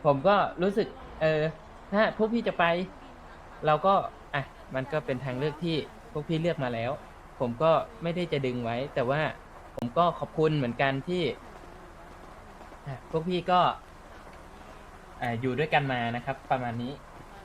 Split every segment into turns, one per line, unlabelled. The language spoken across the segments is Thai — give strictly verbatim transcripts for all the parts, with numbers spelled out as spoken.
ผมก็รู้สึกเออถ้าพวกพี่จะไปเราก็อ่ะมันก็เป็นทางเลือกที่พวกพี่เลือกมาแล้วผมก็ไม่ได้จะดึงไว้แต่ว่าผมก็ขอบคุณเหมือนกันที่อ่ะพวกพี่ก็อ่าอยู่ด้วยกันมานะครับประมาณนี้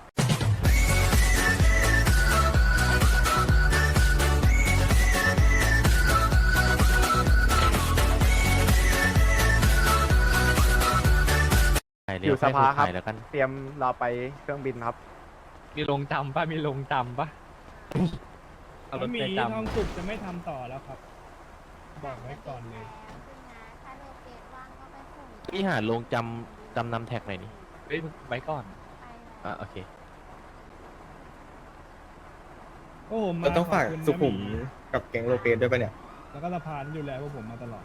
อยู่สภาครับ
แล้วกัน
เตรียมรอไปเครื่องบินครับ
มีลงจำปะมีลงจำปะเอารถ
ไม่
ไป
มี
จ
ทองสุกจะไม่ทำต่อแล้วครับ บอกไว้ก่อนเลย
พี่หาลงจำจำนำแท็กหน่อยนี่
ำเฮ้ยไว้ก่อน
อ่ะโอเค
ก็ผมมา
เราต้องฝาก
ขบคุณ
สุขุม
นะ
กับแก๊งโลเปสด้วยปะเนี่ย
แล้วก็สะพานอยู่แล้วพวกผมมาตลอด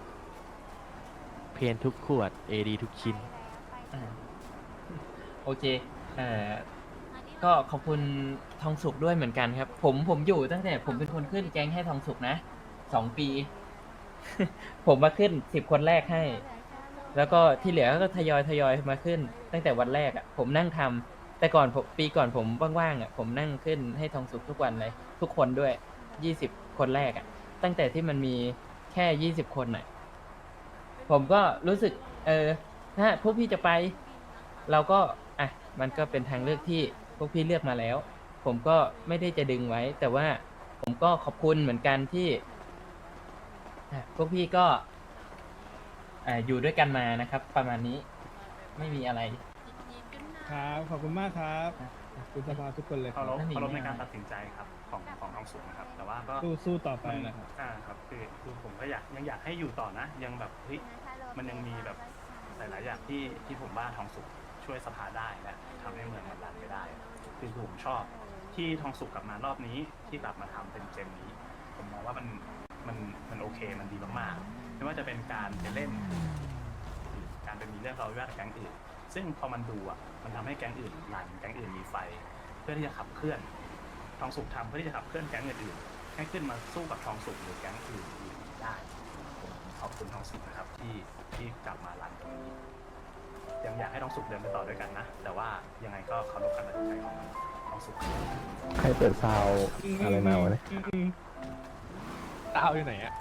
เพนทุกขวด เอ ดี ทุกชิ้น
อ่าโอเคเอ่อก็ขอบคุณทองสุกด้วยเหมือนกันครับ ผมผมอยู่ตั้งแต่ผมเป็นคนขึ้นแก๊งให้ทองสุกนะสองปี ผมมาขึ้นสิบคนแรกให้ แล้วก็ที่เหลือก็ทยอยทยอยมาขึ้น ตั้งแต่วันแรกอ่ะผมนั่งทำแต่ก่อนผมปีก่อนผมว่างๆอ่ะผมนั่งขึ้นให้ทองสุกทุกวันเลย ทุกคนด้วยยี่สิบคนแรกอ่ะ ตั้งแต่ที่มันมีแค่ยี่สิบคนอ่ะ ผมก็รู้สึกเออถ้าพวกพี่จะไปเราก็อ่ะมันก็เป็นทางเลือกที่พวกพี่เลือกมาแล้ว ผมก็ไม่ได้จะดึงไว้ แต่ว่าผมก็ขอบคุณเหมือนกันที่อ่ะพวกพี่ก็อ่าอยู่ด้วยกันมานะครับ ประมาณนี้ไม่มีอะไร
ครับ ขอบคุณมากครับขอบคุณสภาทุกคนเลยค
เคา
รับ
รพเคารพในการตัดสินใจครับของของทองสุกนะครับ แต่ว่าก็
สู้สู้ต่อไปนะครับ
อ่าครับคือคือผมก็อยากยังอยากให้อยู่ต่อนะ ยังแบบเฮ้ยมันยังมีแบบหลาย ๆ อย่างที่ที่ผมว่าทองสุกช่วยสภาได้และทำให้เมืองมันรันไปได้ คือผมชอบที่ทองสุกกลับมารอบนี้ที่กลับมาทำเป็นเจมนี้ ผมมองว่ามันมันมันโอเคมันดีมากๆไม่ว่าจะเป็นการไปเล่น การไปมีเรื่องทะเลาะวิวาทกับแก๊งอื่น ซึ่งพอมันดูอ่ะมันทำให้แก๊งอื่นรันแก๊งอื่นมีไฟ เพื่อที่จะขับเคลื่อนทองสุกทำเพื่อที่จะขับเคลื่อนแก๊งอื่นๆให้ขึ้นมาสู้กับทองสุกหรือแก๊งอื่นๆได้ผมขอบคุณทองสุกนะครับที่ที่กลับมารันตรงนี้ยังอยากให้ทองสุกเดินไปต่อด้วยกันนะ แต่ว่ายังไงก็เคารพการตัดสินใจของทองสุก
ใครเปิดซาวอะไรมาวะเนี่ย
ดาวอยู่ไหนอะ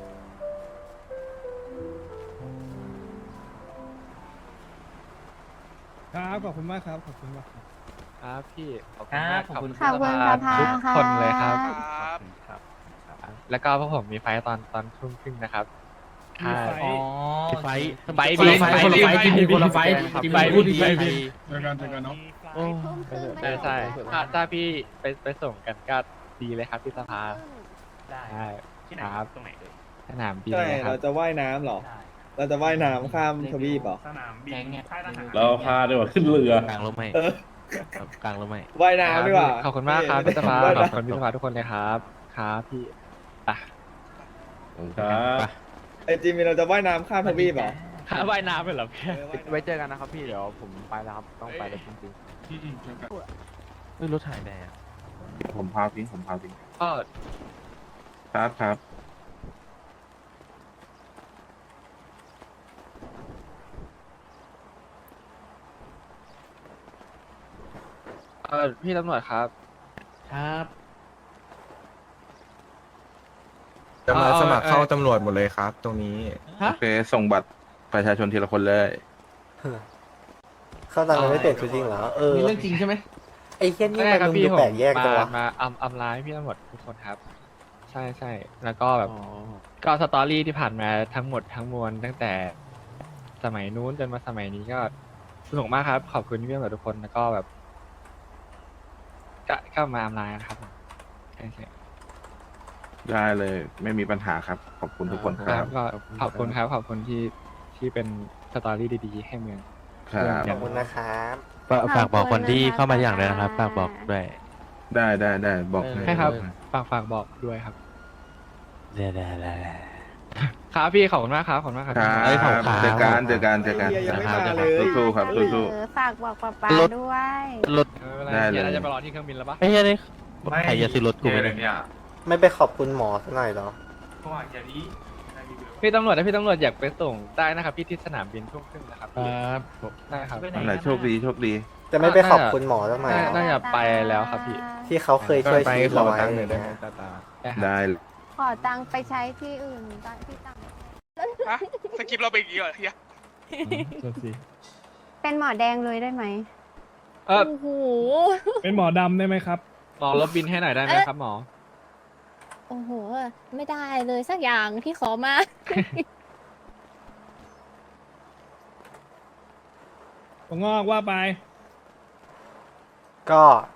ครับ ขอบคุณมากครับ ขอบคุณมากครับ
ครับพี่ขอบ
ค
คุณ
รับ
มาก
ขอบคุณ
ขอบคุณสภา
ทุก
ค่ะ
คนเลยครับ
ครับครับ
แล้วก็พวกผมมีไฟล์ตอนตอนทุ่มครึ่งนะครับ
มีไฟ
อ๋อ
ไฟ
ไฟ
ไฟ
ดี
ไฟ
คนละไฟ
จริงดิคนละไฟ
จริง
ไฟ
ดิ
พูดดี
ไฟ
ไฟ
เจอกันเจอกันเนาะ
โอ้
ทุ่มครึ่ง
ใช่ใช่ถ้าถ้าพี่ไปไปส่งกันก็ดีเลยครับที่สภา
ได้
ใช่
ที่ไหน
ครับ
ตรงไหนเลย
สนามบิน
ใช่
เลยครั
เรา
บ
จะว่ายน้ำเหรอ
ได้
เราจะว่ายน้ำข้ามทวีปเหรอ
สนามบิ
แก๊
น
งเนี่ย
ค่ายทหาร
เราพาดีกว่าขึ้นเรือก
ลางลมไม่
เออ
ครับกลางลมไม่
ว่ายน้ำดีกว่า
ขอบคุณมากครับ
เอ้ย
พี่สภา
ว่าย
ข
น้ำ
อบคุณพี่สภาทุกคนเลยครับครับพี่อ่ะ
ครับ
ไอจิมมี่เราจะว่ายน้ำข้ามทวีปเหรอ
ข้าว่ายน้ำไปเหรอพี่
เออว่ายน้ำ
ไว้เจอกันนะครับพี่เดี๋ยวผมไปแล้วครับ ต้องไปแล้วจริง
เฮ้ยรถหายไปอ่ะ
ผมพาทิ้งผมพาทิ้ง
ก็
ครับครับ
เออพี่ตำรวจครับ
ครับ
จะมา
เอา
สมัคร
เอา
เข้าตำรวจหมดเลยครับ ตรงนี้
ฮะ
โอเคส่งบัตรประชาชนทีละคนเลย
เข้าตังค์ไม่เปลี่ยนชุดจริงเหรอ เออ
นี่เรื่องจริงใช่ไหม
ไอ้เหี้ยนี่
ใช่
มัน
ครับ
มึง
พี่
ดู
ผม
แปลกแยกจัง
มาว
ะ
มาอำอำร้ายพี่ตำรวจทุกคนครับ ใช่ใช่แล้วก็แบบ
อ๋อ
ก็สตอรี่ที่ผ่านมาทั้งหมดทั้งมวลตั้งแต่สมัยนู้นจนมาสมัยนี้ก็สนุกมากครับ ขอบคุณพี่ตำรวจทุกคนแล้วก็แบบก็ก็มาอำลายนะครับผมใช่ใช่
ได้เลยไม่มีปัญหาครับ ขอบคุณทุกคนค
ค
รั
รับบ ก็ขอบคุณครับขอบคุณที่ที่เป็นสตอรี่ดีๆให้เมือง
ครับ
ขอบคุณนะครับ
ฝากฝากบอกคนที่เข้ามาอย่างเลยนะครับ ฝากบอกด้วย
ได้ได้ได้บอกให้
ให้ครับ
อกให้
ฝากฝากบอกด้วยครับ
เดี๋ยวเดี๋ยวเดี๋ยว
ครับพี่ขอบคุณมากครับขอบคุณมากครับ
ครับ
เอ้ยผมขาว
เจอกันเจอกันเจอกัน
ไอ้เหี้ยยังไม่มา
ครับ
เลย
สู้ๆครับสู้
เออฝากบอกป๊าป๊าด้วย
รถ
ไม่เป็นไร
ได้เลย
เดี๋ยวเราจะไปรอที่เครื่องบินแล้วปะ
ไอ้เหี้ยนี่ใครจะซื้อรถกูไปเนี่ย
ไม่ไปขอบคุณหมอสักหน่อยเหรอ
เพราะว่าอย่างนี้ได้รีวิว
พี่ตำรวจถ้าพี่ตำรวจอยากไปส่งได้นะครับพี่ที่สนามบินทุ่มครึ่งนะครับ
ค
พี่
รับ
ได้ครับ
ไปไหน
นั่นแหละโชคดีโชคดี
จะไม่ไปขอบคุณหมอทำไม
น่า
อะ
น่าจะไปแล้วครับพี่
ที่เขาเคยช่วยชีวิตเรา
ขอ
ไว้
ตังค์หน่อยได้ไหม
เนี่ย
ตาตา
ได้ครับ
ได้
ขอตังค์ไปใช้ที่อื่นตอนที่ต่าง
ฮะสคริปต์เราเป็นอย่างนี้เหรอเฮีย
เป็นหมอแดงเลยได้ไหม
เออ
โอ้โห เป็นหมอดำได้ไหมครับ
หมอลบบินให้หน่อยได้ไหมครับหมอ
โอ้โห ไม่ได้เลยสักอย่างที่ขอมา
ผมงอกว่าไป
ก็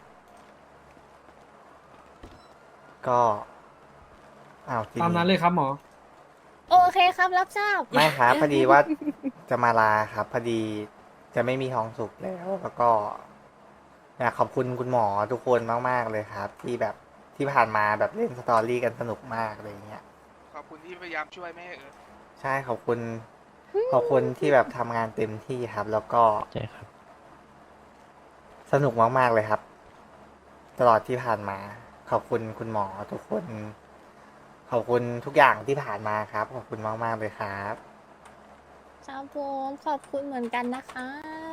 ก็อ้าวที
ตามนั้นเลยครับหมอ
โอเคครับรับทราบ
ไม่ครับพอดีว่าจะมาลาครับ พอดีจะไม่มีท้องสุกแล้ว แล้วก็อยากขอบคุณคุณหมอทุกคนมากๆเลยครับ ที่แบบที่ผ่านมาแบบเล่นสตอรี่กันสนุกมากอะไรอย่างเงี้ย
ขอบคุณที่พยายามช่วยไม่ให้เออ
ใช่ขอบคุณ ขอบคุณที่แบบทำงานเต็มที่ครับ แล้วก็
ใช่ครับ
สนุกมากๆเลยครับ ตลอดที่ผ่านมา ขอบคุณคุณหมอทุกคน ขอบคุณทุกอย่างที่ผ่านมาครับ ขอบคุณมากๆเลยครับ
ครับผมขอบคุณเหมือนกันนะคะ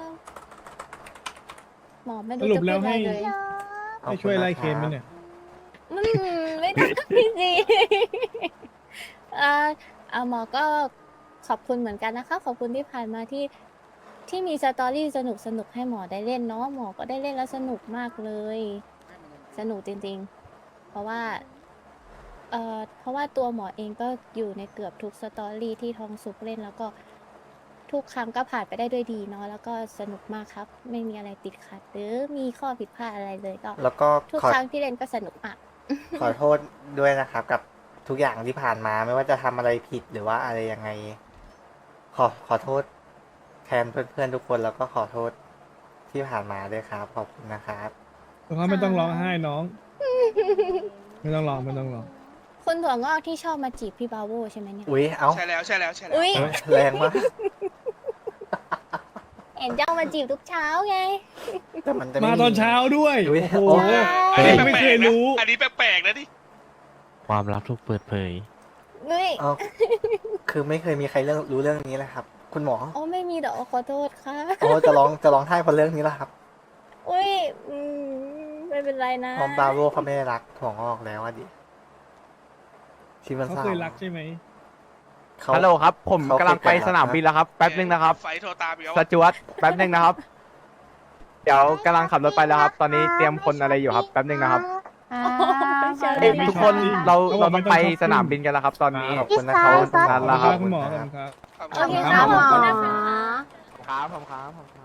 หมอไม่
ส
รู้
รุ
จะ
ปแล้
พูด
ว
อะไร
ให้
เลย
ขอบ
ให้
คุณ
ช่วยไล่
นะ
เคนไหม
รับ
เนี่ย
อืมไม่ได้พี่จีเอ่อเอาหมอก็ขอบคุณเหมือนกันนะคะ ขอบคุณที่ผ่านมาที่ที่มีสตอรี่สนุกสนุกให้หมอได้เล่นเนาะหมอก็ได้เล่นแล้วสนุกมากเลย สนุกจริงๆ เพราะว่าเอ่อเพราะว่าตัวหมอเองก็อยู่ในเกือบทุกสตอรี่ที่ทองสุกเล่นแล้วก็ทุกครั้งก็ผ่านไปได้ด้วยดีเนาะแล้วก็สนุกมากครับ ไม่มีอะไรติดขัด หรือมีข้อผิดพลาดอะไรเลยก็
แล้วก็
ทุก
ขอ
ครั้งที่เล่นก็สนุกมาก
ขอโทษด้วยนะครับ กับทุกอย่างที่ผ่านมาไม่ว่าจะทำอะไรผิดหรือว่าอะไรยังไง ขอขอโทษแทนเพื่อนๆทุกคนแล้วก็ขอโทษที่ผ่านมาด้วยครับ ขอบคุณนะครับ
ตรงนั้นไม่ต้องร้องไห้น้อง ไม่ต้องร้องไม่ต้องร้อง
คุณถั่วงอกที่ชอบมาจีบพี่บาโวใช่ไหมเนี่ย
อุ้ยเอ้า
ใช่แล้วใช่แล้วใช่แล้ว
อุ้ย
เอ้ยแรงมาก
เห็นเจ้ามาจีบทุกเช้าไง
แต่มันจะไ
มาตอนเช้าด้วย
อุ๊ย
โอ้โห
โอ้
อันนี้
ไม่
แป
เค
ล
ย
กๆนะ
รู้
อันนี้แปลกๆนะนี่
ความลับถูกเปิดเผย
นุ้ย
เอ้าคือไม่เคยมีใครเรื่องรู้เรื่องนี้เลยครับ คุณหมอ
โอ้ไม่มีดอกขอโทษค่ะ
โอ้จะร้องจะร้องไห้เพราะเรื่องนี้แหละครับ
อุ้ยอืมไม่เป็นไรนะ
เพราะบาโวเขาไม่ได้รักถั่วงอกแล้วอะดิชีวิตมัน
เขา
เศร้า
เคยรักใช่ไหม
เขา
ฮัลโหลครับ ผม
เขา
กำลังไป
เคยเกิด
สนามบินแล้วครับ แป๊บนึงนะครับ
ไฟโทรตามอีกแล้ว
สจวตแป๊บนึงนะครับ เดี๋ยวกำลังขับรถไปแล้วครับ ตอนนี้เตรียมคนอะไรอยู่ครับ แป๊บนึงนะครับ
อ่า
เอ้ย
ไม่
ทุกคน
ชอบ
เรา
เขาบ
เรา
อกไม่
ต้องไป
ต้องชอบ
สนามบินกันแล้วครับ ตอนนี้
ขอบคุณนะครับ
ขอบคุณครับ
ขอบคุณครับคุณหมอขอบคุณครับ
โอเคครับขอบคุณนะคะ
ครับผมครับผมครับ